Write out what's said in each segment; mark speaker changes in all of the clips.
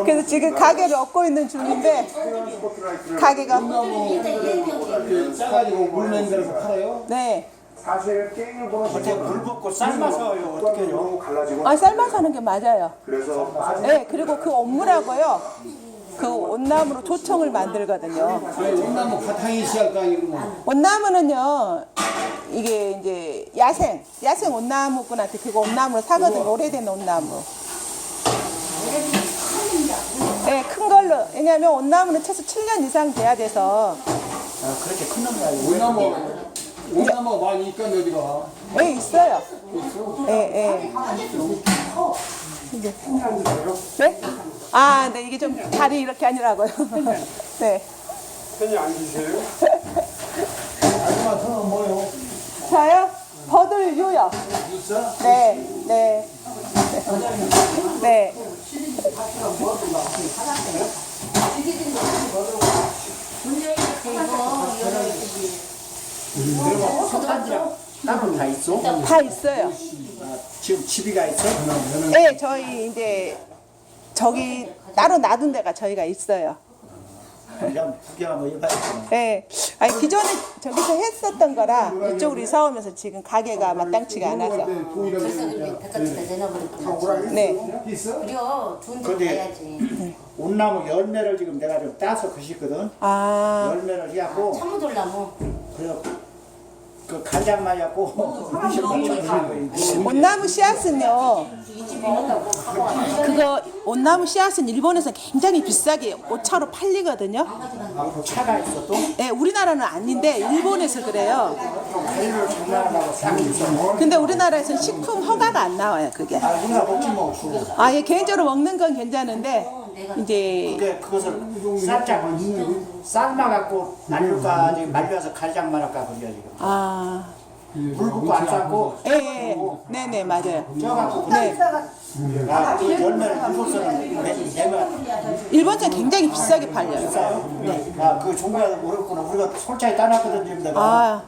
Speaker 1: 그래서 지금 가게를 얻고 있는 중인데 가게가
Speaker 2: 싸가지고 물면 데서 팔아요?
Speaker 1: 네.
Speaker 3: 사실 게임을 보는
Speaker 2: 어떻게 물 붓고 삶아서요? 어떻게 해요?
Speaker 3: 갈라지고
Speaker 1: 아 삶아서 하는 게 맞아요.
Speaker 3: 그래서 빠진
Speaker 1: 네 그리고 그 온물하고요. 그 온나무로 조청을 만들거든요.
Speaker 2: 왜 온나무 바탕이 시할까 이러면
Speaker 1: 온나무는요 이게 이제 야생 온나무꾼한테 그거 온나무로 사거든요. 오래된 온나무. 네, 큰 걸로. 왜냐하면 온나무는 최소 7년 이상 돼야 돼서.
Speaker 2: 아, 그렇게 큰 놈이 아니고 온나무 많이 있건 어디가?
Speaker 1: 네, 있어요.
Speaker 2: 있어?
Speaker 1: 네, 네. 네? 아, 네, 이게 좀 다리 이렇게 아니라고요. 네.
Speaker 3: 편히 앉으세요.
Speaker 2: 아줌마 저는 뭐요?
Speaker 1: 저요? 버들유요.
Speaker 2: 있어?
Speaker 1: 네, 네. 네.
Speaker 2: 땅은 다 있어?
Speaker 1: 다 있어요.
Speaker 2: 지금 집이가 있어?
Speaker 1: 네, 저희 이제 저기 따로 놔둔 데가 저희가 있어요.
Speaker 2: 그냥 구경 한번 해봐야겠네.
Speaker 1: 네. 아니 기존에 저기서 했었던 거라 이쪽으로 이사 오면서 지금 가게가 마땅치가 않아서.
Speaker 4: 그래서 그렇게 백화점에다 내놔버렸구나.
Speaker 1: 네.
Speaker 4: 그래요. 돈 좀
Speaker 2: 근데
Speaker 4: 내야지.
Speaker 2: 온나무 열매를 지금 내가 좀 따서 그시거든.
Speaker 1: 아,
Speaker 2: 열매를 해갖고
Speaker 4: 참무돌나무.
Speaker 2: 그래 그 간장만 해갖고
Speaker 1: 온나무 씨앗은요. 그거 온나무 씨앗은 일본에서 굉장히 비싸게 오차로 팔리거든요.
Speaker 2: 차가 있어 또?
Speaker 1: 네, 우리나라는 아닌데 일본에서 그래요.
Speaker 2: 가리를 장난하려고 싹 있어.
Speaker 1: 근데 우리나라에서는 식품 허가가 안 나와요, 그게.
Speaker 2: 아 우리가 먹지 뭐 주고.
Speaker 1: 아, 예, 개인적으로 먹는 건 괜찮은데 이제
Speaker 2: 근데 그것을 살짝 삶아갖고 말릴까 말려서 간장만 할까 그래야 지금.
Speaker 1: 아,
Speaker 2: 물 붓고 안 삶고
Speaker 1: 예, 예, 네, 네, 맞아요.
Speaker 2: 쪄갖고
Speaker 1: 네,
Speaker 2: 그 열매를 일본서는 내면
Speaker 1: 일본산 굉장히 비싸게 팔려요.
Speaker 2: 비싸요? 아그 종가가 모르겠구나. 우리가 솔차에 따놨거든 지금 내가.
Speaker 1: 아,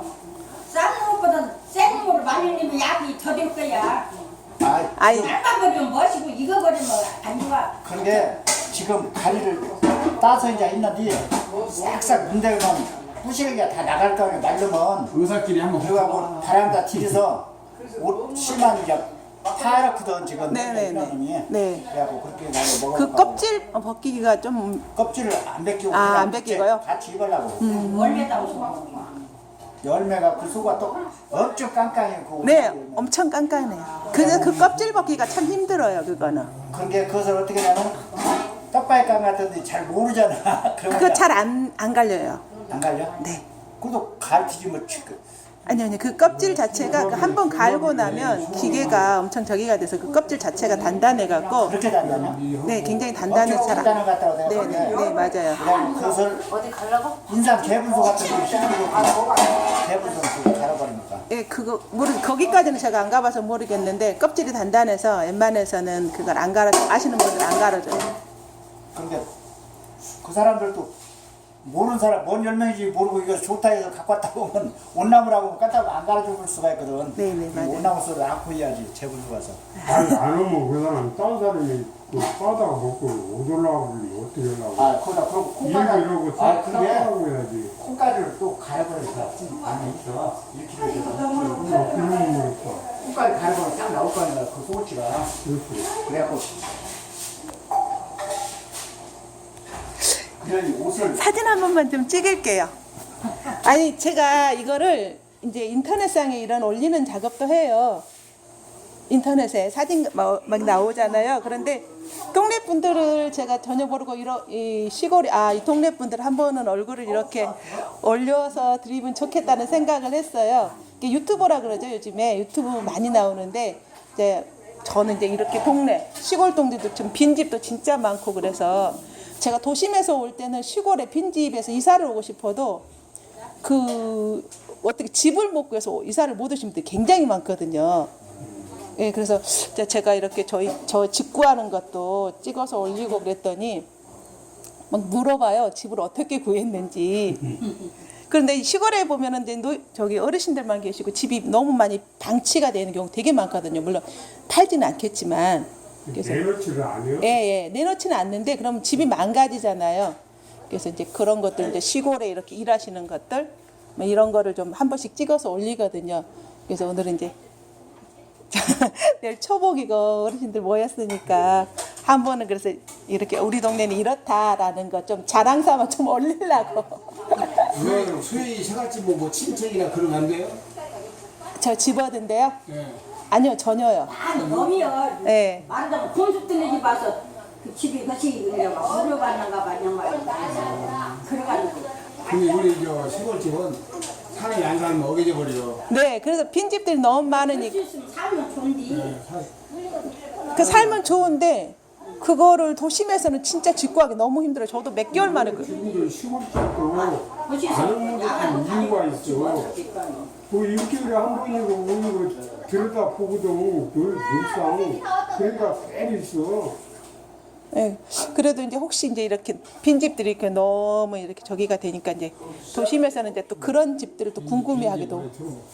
Speaker 5: 싼 것보다 센 거를 많이 넣으면 약이 더 될 거야.
Speaker 2: 아
Speaker 1: 아이,
Speaker 5: 얇아 버리면 멋이고 이거 버리면 안 좋아.
Speaker 2: 근데 지금 가리를 따서 이제 있는데 싹싹 문대면 부실기가 다 나갈 거면 말르면
Speaker 6: 의사끼리 한번
Speaker 2: 그래갖고 바람다 들여서 옷 심한 이제 파랗거든 지금.
Speaker 1: 네네네. 네.
Speaker 2: 그래갖고 그렇게 나도 먹어.
Speaker 1: 그 껍질 벗기기가 좀
Speaker 2: 껍질을 안 벗기고
Speaker 1: 아,
Speaker 2: 그냥
Speaker 1: 안 벗기고요?
Speaker 2: 같이 입으려고.
Speaker 5: 원래다 오서.
Speaker 2: 열매가 그 속가 또 엄청 깐깐해.
Speaker 1: 네, 엄청 깐깐해요. 그래서 그 껍질 벗기가 참 힘들어요, 그거는.
Speaker 2: 근데 그것을 어떻게 하냐면 떡바이깡 같은데 잘 모르잖아. 그러면
Speaker 1: 그거 잘 안 갈려요.
Speaker 2: 안 갈려?
Speaker 1: 네.
Speaker 2: 그래도 가르치지 뭐.
Speaker 1: 아니, 그 껍질 자체가 그 한 번 갈고 나면 기계가 엄청 저기가 돼서 그 껍질 자체가 단단해갖고,
Speaker 2: 그렇게 단단해?
Speaker 1: 네, 굉장히 단단해서
Speaker 2: 엄청
Speaker 1: 잘
Speaker 2: 단단한 것 같다고
Speaker 1: 네,
Speaker 2: 생각하는데
Speaker 1: 네, 네, 맞아요.
Speaker 2: 그다음에 그것을
Speaker 4: 어디 가려고?
Speaker 2: 인삼 개분소 같은 거 시키고 개분소 갈아버리니까.
Speaker 1: 예, 그거 거기까지는 제가 안 가봐서 모르겠는데 껍질이 단단해서 웬만해서는 그걸 안 갈아 아시는 분들 안 갈아줘요.
Speaker 2: 근데 그 사람들도 모르는 사람 뭔 열매인지 모르고 이거 좋다 해서 갖고 왔다 보면 온나무라고 갖다 안 갈아줄 수가 있거든.
Speaker 1: 네네, 맞아요.
Speaker 2: 온나무 소를 안고 해야지 재분소 가서.
Speaker 6: 아니 안 오면 그 사람 딴 사람이 그 빠다가 먹고 못 올라오고 어떻게 올라오고
Speaker 2: 아 거기다 그럼 콩가루
Speaker 6: 이러고
Speaker 2: 아 근데
Speaker 6: 싸고 해야지.
Speaker 2: 콩가루를 또 갈아버려서 안에 있어 1kg
Speaker 6: 그러면
Speaker 2: 콩가루 갈아버려 딱 나올 거 아니야 그 소고치가.
Speaker 6: 그렇지.
Speaker 2: 그래갖고 그런 옷을
Speaker 1: 사진 한 번만 좀 찍을게요. 아니 제가 이거를 이제 인터넷상에 이런 올리는 작업도 해요. 인터넷에 사진 막 나오잖아요. 그런데 동네 분들을 제가 전혀 모르고 이 시골이 이 동네 분들 한 번은 얼굴을 이렇게 올려서 드리면 좋겠다는 생각을 했어요. 이게 유튜버라 그러죠. 요즘에 유튜브 많이 나오는데 이제 저는 이제 이렇게 동네 시골 동네도 좀 빈집도 진짜 많고 그래서 제가 도심에서 올 때는 시골에 빈집에서 이사를 오고 싶어도 그 어떻게 집을 못 구해서 이사를 못 오신 분들이 굉장히 많거든요. 예, 그래서 제가 이렇게 저 집 구하는 것도 찍어서 올리고 그랬더니 막 물어봐요. 집을 어떻게 구했는지. 그런데 시골에 보면은 이제 저기 어르신들만 계시고 집이 너무 많이 방치가 되는 경우 되게 많거든요. 물론 팔지는 않겠지만 그래서
Speaker 6: 내놓지를 않아요?
Speaker 1: 예, 내놓지는 않는데 그럼 집이 망가지잖아요. 그래서 이제 그런 것들 이제 시골에 이렇게 일하시는 것들 뭐 이런 거를 좀 한 번씩 찍어서 올리거든요. 그래서 오늘은 이제 내일 초복이고 어르신들 모였으니까 한 번은 그래서 이렇게 우리 동네는 이렇다라는 거 좀 자랑 삼아 좀 올리려고.
Speaker 7: 왜 소위 생활집 뭐 친척이나 그런 거 안 돼요?
Speaker 1: 저 집어든데요?
Speaker 7: 예.
Speaker 1: 아니요, 전혀요.
Speaker 5: 아니 놈이요.
Speaker 1: 네.
Speaker 5: 말하자면 콘서트네 집 와서 그 집이 같이 그냥 무료받는가 봐 양말. 그래가지고
Speaker 7: 근데 우리 저 시골집은 사람이 안 살면 어겨져 버려.
Speaker 1: 네, 그래서 빈집들이 너무 많으니까
Speaker 5: 있으면 살면 좋은데.
Speaker 1: 그 삶은 좋은데 그거를 도심에서는 진짜 직구하기 너무 힘들어요. 저도 몇 개월 만에
Speaker 6: 지금도 시골집도 가는 것도 이유가 있어. 그 일주일에 한 번이고 오는 거 들여다 보거든. 늘상 그러니까 꽤 있어.
Speaker 1: 예, 그래도 이제 혹시 이제 이렇게 빈집들이 이렇게 너무 이렇게 저기가 되니까 이제 도심에서는 이제 또 그런 집들을 또 궁금해하기도.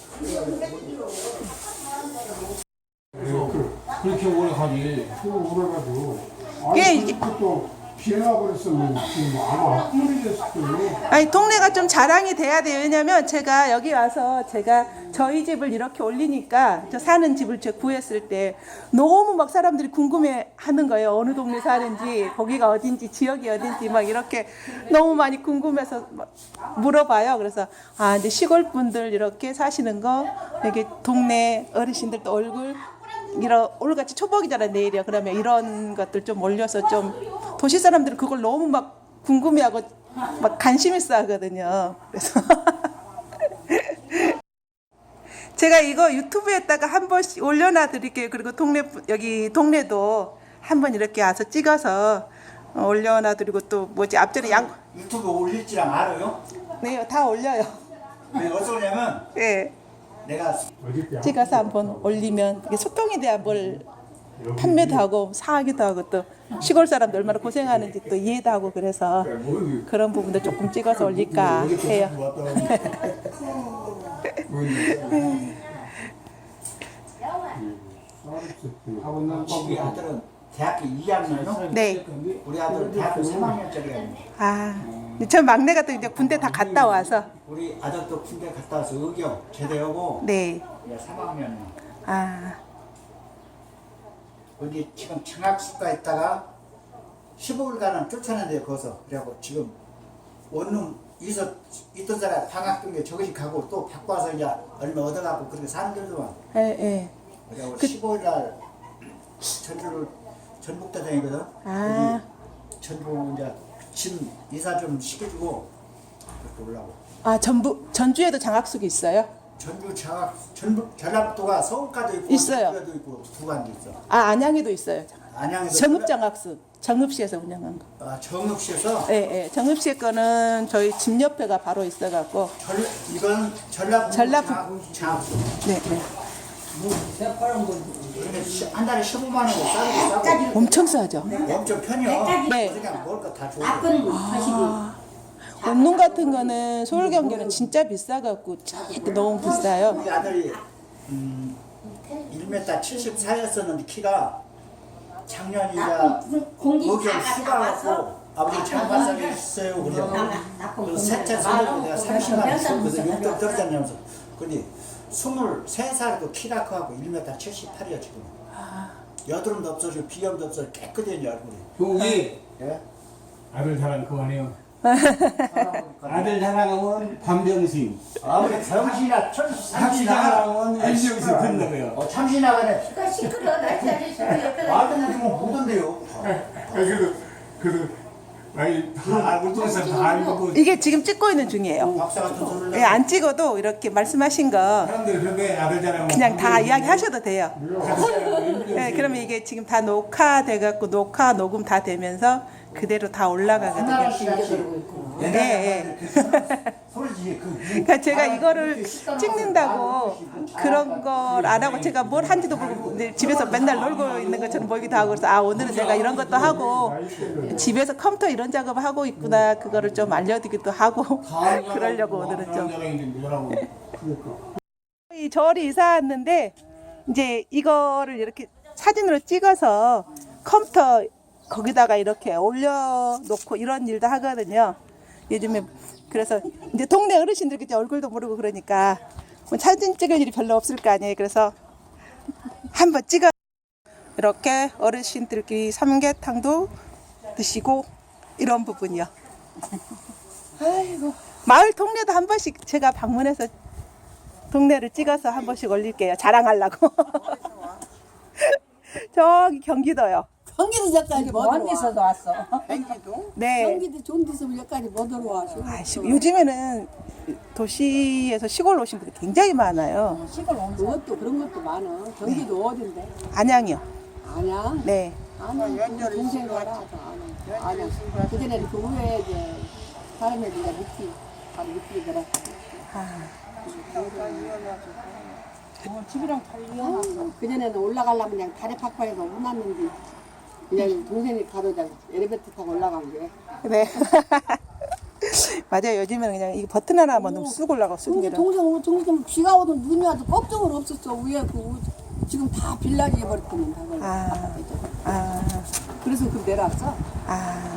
Speaker 7: 그렇게 오래 가지.
Speaker 6: 그거 오래가지고.
Speaker 1: 예,
Speaker 6: 아니
Speaker 1: 이게-
Speaker 6: 그것도 비나버렸으면 지금 아마 헛물이었을 거예요.
Speaker 1: 아니 동네가 좀 자랑이 돼야 돼요. 왜냐면 제가 여기 와서 제가 저희 집을 이렇게 올리니까 저 사는 집을 제가 구했을 때 너무 막 사람들이 궁금해하는 거예요. 어느 동네 사는지 거기가 어딘지 지역이 어딘지 막 이렇게 너무 많이 궁금해서 막 물어봐요. 그래서 아 이제 시골 분들 이렇게 사시는 거 여기 동네 어르신들도 얼굴 이런 오늘같이 초복이잖아요. 내일이요. 그러면 이런 것들 좀 올려서 좀 도시 사람들은 그걸 너무 막 궁금해하고 막 관심 있어 하거든요. 그래서 제가 이거 유튜브에다가 한 번씩 올려놔 드릴게요. 그리고 여기 동네도 한번 이렇게 와서 찍어서 올려놔 드리고 또 뭐지 앞전에
Speaker 2: 유튜브 올릴지랑 알아요?
Speaker 1: 네, 다 올려요.
Speaker 2: 근데 어디서 오냐면
Speaker 1: 예.
Speaker 2: 내가
Speaker 6: 어저께
Speaker 1: 찍어서 한번 올리면 이게 소통에 대한 뭘 판매도 하고 사기도 하고 또 시골 사람들 얼마나 고생하는지 또 이해도 하고 그래서 그런 부분도 조금 찍어서 올릴까 해요.
Speaker 7: 하고 있는
Speaker 2: 우리 아들은 대학교 2학년이요?
Speaker 1: 네.
Speaker 2: 우리 아들은 대학교 3학년짜리가
Speaker 1: 아, 저 막내가 또 이제 군대 다 갔다 와서
Speaker 2: 우리 아들도 군대 갔다 와서 의경 제대하고
Speaker 1: 네.
Speaker 2: 이제 3학년.
Speaker 1: 아,
Speaker 2: 어디 지금 청학수가 있다가 15일간은 쫓아낸대요 거기서. 그래갖고 지금 원룸 있던 사람 방학 중에 저것이 가고 또 바꿔서 이제 얼마 얻어갖고 그렇게 사는 데도만.
Speaker 1: 예, 예.
Speaker 2: 그래갖고 15일날 전주를 전북대장이거든.
Speaker 1: 아.
Speaker 2: 거기 전북 이제 짐 이사 좀 시켜주고 그렇게 올라고.
Speaker 1: 아, 전주에도 장학숙이 있어요?
Speaker 2: 전주 전북 전라북도가 서울까지 있고
Speaker 1: 있어요.
Speaker 2: 전주에도 있고 두 간도 있어.
Speaker 1: 아, 안양에도 있어요.
Speaker 2: 안양에도
Speaker 1: 정읍장학숙. 정읍시에서 운영한 거.
Speaker 2: 정읍시에서
Speaker 1: 예, 예. 정읍시의 거는 저희 집 옆에가 바로 있어갖고.
Speaker 2: 이건 전라북도 장학수.
Speaker 1: 네, 네.
Speaker 2: 근데 한 달에 15만 원 싸고
Speaker 1: 엄청 싸죠?
Speaker 2: 엄청 편이요.
Speaker 1: 네.
Speaker 2: 그냥 먹을 거 다 줘.
Speaker 5: 나쁜 것이
Speaker 1: 원룸 같은 거는 서울 경기는 진짜 비싸갖고 진짜 너무 비싸요.
Speaker 2: 우리 아들이 1m 74였었는데 키가 작년 이제
Speaker 5: 공기
Speaker 2: 의경
Speaker 5: 다
Speaker 2: 휴가
Speaker 5: 가져와서
Speaker 2: 왔고 아버지 장발상에 있어요. 그래서 셋째 손으로 내가 30만 원 줬거든. 용돈 떨어졌냐면서. 근데 23살에도 키가 커갖고 1m 78이야 지금. 여드름도 없어지고 비염도 없어지고 깨끗해져 얼굴이.
Speaker 7: 형이
Speaker 2: 예?
Speaker 7: 아들 자랑 그만해요. 아들 자랑하면 반병신,
Speaker 2: 아무리 병신이나
Speaker 7: 학시
Speaker 2: 참신하가
Speaker 7: 자랑하면 일병신 듣는 거예요.
Speaker 2: 참신하가네.
Speaker 5: 그러니까 시끄러워. 나 자리 시끄러워.
Speaker 2: 아들은 뭐 보던데요.
Speaker 6: 그래도 아니 다 알고 있어서 다 알고
Speaker 1: 이게 지금 찍고 있는 중이에요.
Speaker 2: 박사 같은 소리를
Speaker 1: 예, 안 찍어도 이렇게 말씀하신 거
Speaker 7: 사람들이 그런데 아들 자랑하면
Speaker 1: 그냥 다 이야기 하셔도 돼요.
Speaker 7: 학시 자랑하면 일병신.
Speaker 1: 네, 그러면 이게 지금 다 녹화돼갖고 녹화 녹음 다 되면서 그대로 다 올라가거든요. 예, 그러니까 제가 이거를 찍는다고 그런 걸 안 하고 제가 뭘 한지도 모르고 근데 집에서 맨날 놀고 있는 것처럼 보이기도 하고 그래서 아 오늘은 내가 이런 것도 하고 집에서 컴퓨터 이런 작업을 하고 있구나 그거를 좀 알려드리기도 하고 그러려고 오늘은 좀 이 절이 이사 왔는데 이제 이거를 이렇게 사진으로 찍어서 컴퓨터 거기다가 이렇게 올려놓고 이런 일도 하거든요. 요즘에 그래서 이제 동네 어르신들 이제 얼굴도 모르고 그러니까 뭐 사진 찍을 일이 별로 없을 거 아니에요. 그래서 한번 찍어 이렇게 어르신들끼리 삼계탕도 드시고 이런 부분이요. 아이고 마을 동네도 한 번씩 제가 방문해서 동네를 찍어서 한 번씩 올릴게요. 자랑하려고. 저기 경기도요.
Speaker 5: 경기도 저까지 못
Speaker 8: 먼 데서도 왔어.
Speaker 1: 네.
Speaker 5: 경기도 좋은 데서 여기까지 못 들어와.
Speaker 1: 요즘에는 도시에서 시골 오신 분들 굉장히 많아요.
Speaker 5: 그것도 그런 것도 많아. 경기도 어딘데?
Speaker 1: 안양이요.
Speaker 5: 안양?
Speaker 1: 네.
Speaker 5: 안양 동생 가라. 안양. 그전에는 그 후에 이제 다른 애들이 밑이 바로 밑이 들어.
Speaker 8: 집이랑 달리야.
Speaker 5: 그전에는 올라가려면 그냥 다리 팍팍해서 못 났는데 그냥 동생이 가도 그냥 엘리베이터 타고 올라간 게.
Speaker 1: 네. 맞아요. 요즘에는 그냥 이 버튼 하나만 넣으면 쑥 올라가고 쑥 내려.
Speaker 5: 동생 비가 오든 눈이 와도 걱정은 없었어. 위에 지금 다 빌라지 해버렸거든.
Speaker 1: 아. 아.
Speaker 5: 그래서 그 내려왔어.
Speaker 1: 아.